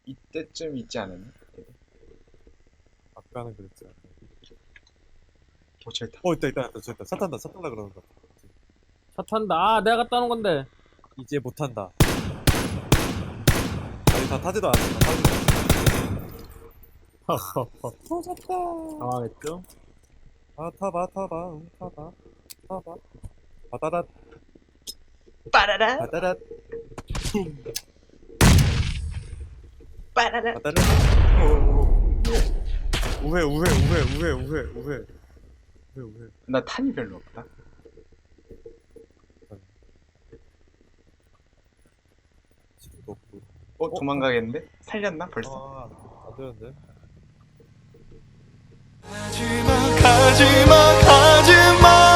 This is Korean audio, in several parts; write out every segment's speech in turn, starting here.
이때쯤 있지 않았나? 아까는 그랬지. 저기 다. 있다. 차 탄다 그러는 거. 차 탄다. 아, 내가 갖다 놓은 건데. 이제 못 탄다. 아니, 다 타지도 않았어. 다 타지도 않았어. 터졌다. 당황했죠? 아, 타봐. 바다랏, 빠라라 바다랏, 빠라라. 바다랏. 우회. 나 탄이 별로 없다. 지금도 없고. 도망가겠는데? 살렸나 벌써? 아, 안 되는데. 가지마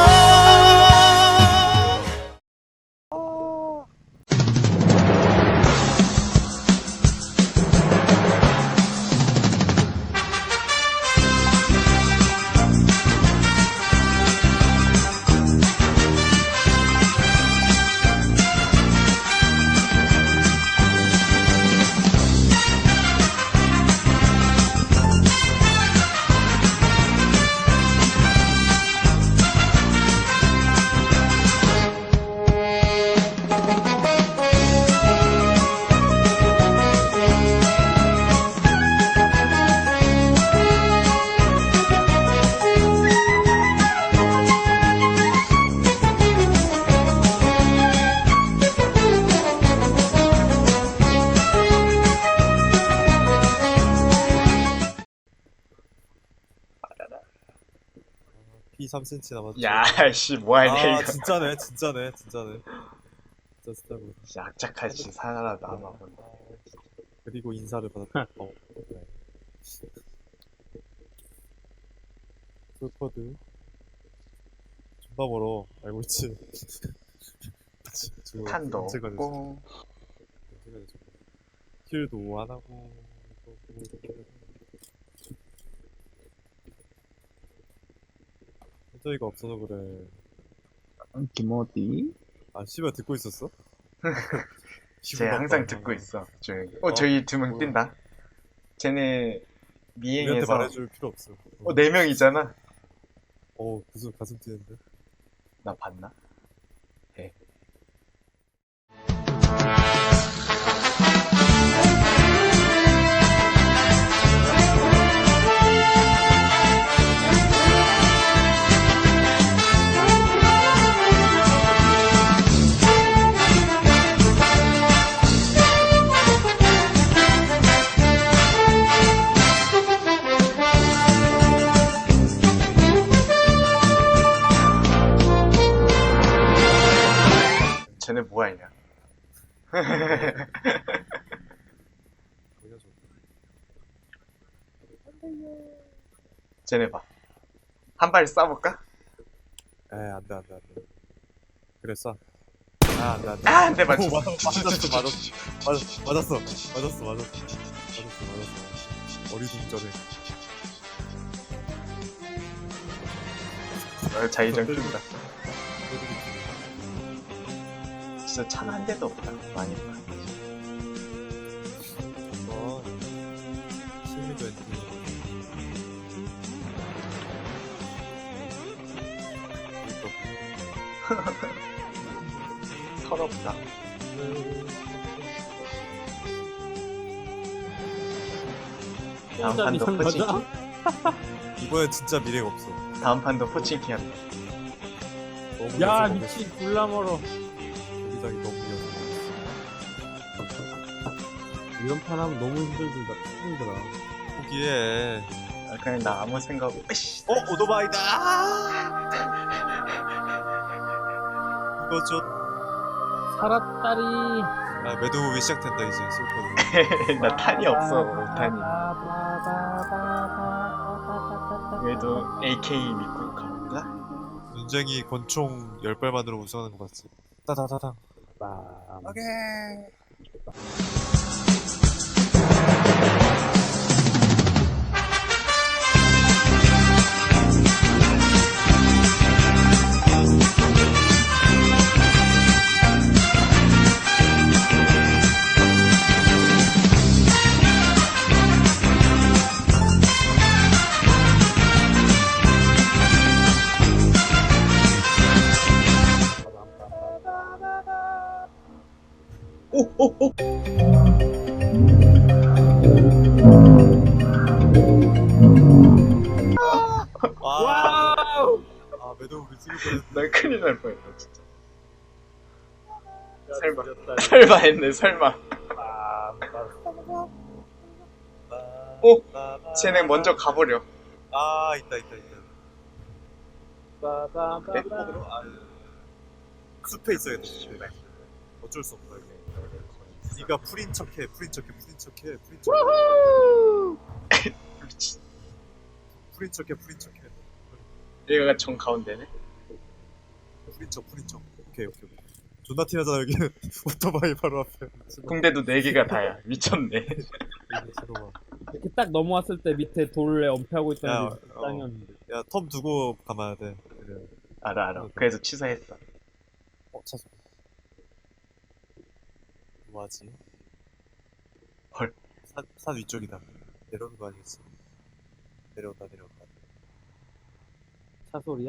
피 3cm 남았지. 야씨 뭐하냐 아, 이거. 진짜네. 진짜 스타브. 진짜 악착같이 살아남아본다. 그리고 인사를 받았다. 네. 풀코드. 존나 멀어. 알고 있지. 탄도 없고. 킬도 안 하고. 현저이가 없어서 그래. 김어디? 아, 씨발 듣고 있었어? 쟤 항상 듣고 있어. 저기 두 명 뛴다. 쟤네 우리한테 미행에서 말해줄 필요 없어. 4명이잖아. 무슨 가슴 뛰는데? 나 봤나? 쟤네 뭐하냐? 보여줘. 쟤네 봐. 한 발 쏴볼까? 안 돼. 그랬어. 안 돼. 아, 안 돼, 맞췄어. 맞았어. 어리둥절해. 자의정 낀다. 진짜 차가 한 대도 없다. 많이 봐. 실미도 엔딩. 서럽다. 다음 판도 포칭키. 이번엔 진짜 미래가 없어. 다음 판도 포칭키 한다. 너무 야, 녀석 미친, 졸라 멀어. 여기저기 너무 녀석. 이런 판 하면 너무 힘들더라. 포기해. 그냥 나 아무 생각 없이. 오토바이다. 이거 살았다리. 매드무비 시작된다 이제 슬퍼도. 나 탄이 없어. 탄이. 그래도 AK 믿고 가볼까? 눈쟁이 권총 10발만으로 우승하는 거 봤지? 따다다당. 빰. 오케이. 나 큰일 날 뻔했다 진짜. 설마. 설마. 설마 했네 설마. 쟤네 먼저 가버려. 아 있다. 빠밤. 그럼 숲에 있어야겠다. 숲에. 어쩔 수 없다 이거. 네가 풀인 척해. 미친. 풀인 척해. 얘가 정 가운데네. 풀인 척. 오케이. 존나 티나잖아 여기. 오토바이 바로 앞에. 붕대도 4개가 다야. 미쳤네. 들어와. 이렇게 딱 넘어왔을 때 밑에 돌에 엄폐하고 야, 있다는 게 땅이었는데. 야, 텀 두고 감아야 돼. 그래. 알아. 그래서 취소했어. 차소. 뭐하지? 헐. 산 위쪽이다. 내려오는 거 아니겠어? 내려온다. 차 소리야?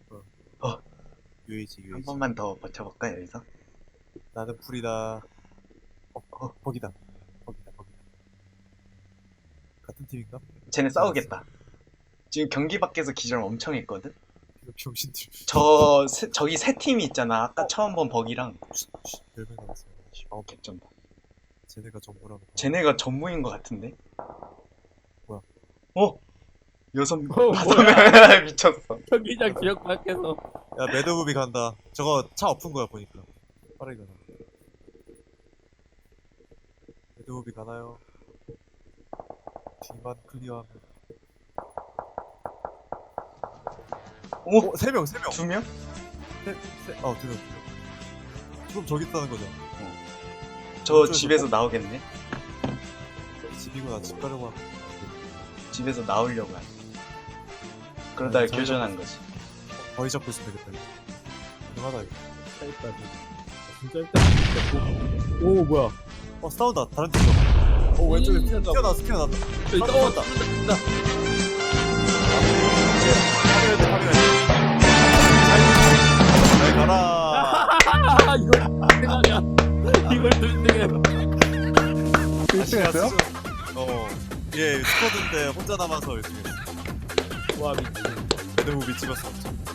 UAG. 한 번만 더 버텨볼까 여기서? 나는 풀이다. 거기다. 같은 팀인가? 쟤네 싸우겠다. 지금 경기 밖에서 기절 엄청 했거든? 이거 병신들. 저기 세 팀이 있잖아. 아까 처음 본 버기랑. 10명 남았어. 개쩐다. 쟤네가 정보라고. 쟤네가 전무인 것 같은데? 뭐야? 여섯 뭐야? 미쳤어. 경기장 지역 밖에서. 야, 매드무비 간다. 저거 차 엎은 거야, 보니까. 빠르게 가나. 매드무비 가나요? 뒤만 클리어하면. 오! 3명. 2명? 2명. 그럼 저기 있다는 거죠. 저 집에서 나오겠네? 집이구나, 집 가려고 하고. 집에서 나오려고 하네. 그러다가 잘 교전한 거지. 거의 잡고 있으면 되겠다. 가능하다, 이거. 짧다. 진짜 짧다. 오 뭐야? 싸운다. 다른 팀이다. 왼쪽에 스피어났다. 있다. 잘 가라. 이걸 등하냐? 이걸 등등해. 1등 했어요? 예, 스쿼드인데 혼자 남아서 열심히. 와 미친. 매드무비 찍었어.